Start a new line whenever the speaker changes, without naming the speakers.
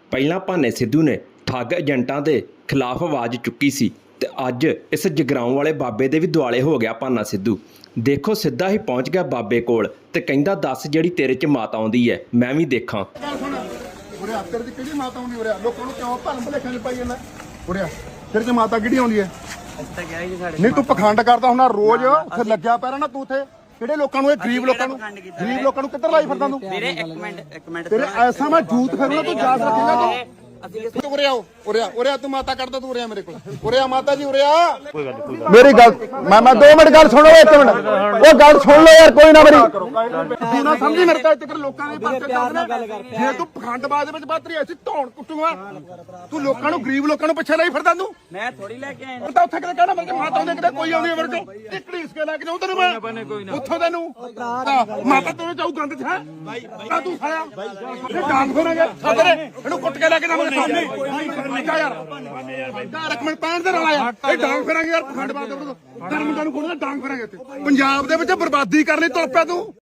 ਪਹਿਲਾਂ ਭਾਨੇ ਸਿੱਧੂ ਨੇ ਠੱਗ ਏਜੰਟਾਂ ਦੇ ਖਿਲਾਫ ਆਵਾਜ਼ ਚੁੱਕੀ ਸੀ ਤੇ ਅੱਜ ਇਸ ਜਗਰਾਉਂ ਵਾਲੇ ਬਾਬੇ ਦੇ ਵੀ ਦੁਆਲੇ ਹੋ ਗਿਆ ਭਾਨਾ ਸਿੱਧੂ। ਦੇਖੋ ਸਿੱਧਾ ਹੀ ਪਹੁੰਚ ਗਿਆ ਬਾਬੇ ਕੋਲ ਤੇ ਕਹਿੰਦਾ ਦੱਸ ਜਿਹੜੀ ਤੇਰੇ 'ਚ ਮਾਤ ਆਉਂਦੀ ਹੈ ਮੈਂ ਵੀ ਦੇਖਾਂ।
ਉਰਿਆ ਤੇਰੇ 'ਚ ਕਿਹੜੀ ਮਾਤਾ ਆਉਂਦੀ? ਉਰਿਆ ਲੋਕਾਂ ਨੂੰ ਕਿਉਂ ਭਰਮ ਭੁਲੇਖਾਂ 'ਚ ਪਾਈ ਜਾਂਦਾ? ਉਰਿਆ ਤੇਰੇ 'ਚ ਮਾਤਾ ਕਿਹੜੀ ਆਉਂਦੀ ਹੈ? ਨਹੀਂ ਤੂੰ ਪਖੰਡ ਕਰਦਾ ਹੁੰਦਾ ਰੋਜ਼ ਉੱਥੇ ਲੱਗਿਆ ਪਿਆ ਨਾ ਤੂੰ ਉੱਥੇ ਕਿਹੜੇ ਲੋਕਾਂ ਨੂੰ ਇਹ ਗਰੀਬ ਲੋਕਾਂ ਨੂੰ ਕਿੱਧਰ ਲਾਈ ਫਿਰਦਾ ਤੂੰ?
ਵੀਰੇ ਇੱਕ ਮਿੰਟ
ਤੇਰੇ ਐਸਾ ਮੈਂ ਜੂਤ ਫਿਰੂੰਗਾ ਤੂੰ ਜਾ ਸਕੇਗਾ ਤੂੰ? ਉਰਿਆ ਤੂੰ ਮਾਤਾ ਕਰਦਾ ਤੂੰ ਉਰਿਆ ਮੇਰੇ ਕੋਲ ਉਰਿਆ ਮਾਤਾ ਜੀ ਉਰਿਆ ਮੇਰੀ ਗੱਲ ਮੈਂ 2 ਮਿੰਟ ਗੱਲ ਸੁਣੋ 1 ਮਿੰਟ ਉਹ ਗੱਲ ਸੁਣ ਲਓ ਯਾਰ ਕੋਈ ਨਾ ਮੇਰੀ ਤੂੰ ਨਾ ਸਮਝੀ ਮੇਰੇ ਤਾਂ ਇੱਥੇ ਲੋਕਾਂ ਦੇ ਪਾਸੇ ਚੱਲਦਾ ਜੇ ਤੂੰ ਪਖੰਡਬਾਜ਼ ਦੇ ਵਿੱਚ ਬਾਤਰੀ ਐਸੀ ਧੌਣ ਕੁੱਟੂਗਾ ਤੂੰ ਲੋਕਾਂ ਨੂੰ ਗਰੀਬ ਲੋਕਾਂ ਨੂੰ ਪਿੱਛੇ ਲਈ ਫਿਰਦਾ ਤੂੰ।
ਮੈਂ ਥੋੜੀ ਲੈ ਕੇ ਆਇਆ
ਤਾਂ ਉੱਥੇ ਕਿਤੇ ਕਹਿਣਾ ਮੈਂ ਮਾਤਾ ਦੇ ਕਿਤੇ ਕੋਈ ਆਉਂਦੀ ਮੇਰੇ ਕੋਲ ਟਿਕੜੀ ਇਸ ਕੇ ਲੈ ਕੇ ਜਾਉਂ ਤੈਨੂੰ ਮੈਂ ਉੱਥੋਂ ਤੈਨੂੰ ਮਾਤਾ ਤੇਰੇ ਚਾਉ ਗੰਦ ਚ ਹੈ ਤਾਂ ਤੂੰ ਖਾਇਆ ਇਹ ਡਾਂਗ ਫੇਰਾਂਗੇ ਸਾਦਰੇ ਇਹਨੂੰ ਕੁੱਟ ਕੇ ਲੈ ਕੇ ਜਾਵਾਂਗੇ ਸਾਹਮਣੇ ਯਾਰ ਇੱਕ ਮਿੰਟ ਪੈਣ ਦੇ ਨਾਲ ਆਇਆ ਇਹ ਡਾਂਗ ਫੇਰਾਂਗੇ ਯਾਰ ਪਖੰਡਬਾਜ਼ ਦੇ ਵਿਰੁੱਧ ਧਰਮ ਨੂੰ ਕੋਲ ਡਾਂਗ ਫੇਰਾਂਗੇ ਇੱਥੇ ਪੰਜਾਬ ਦੇ ਵਿੱਚ ਬਰਬਾਦੀ ਕਰਨ ਲਈ ਤੁਰ ਪਿਆ ਤੂੰ।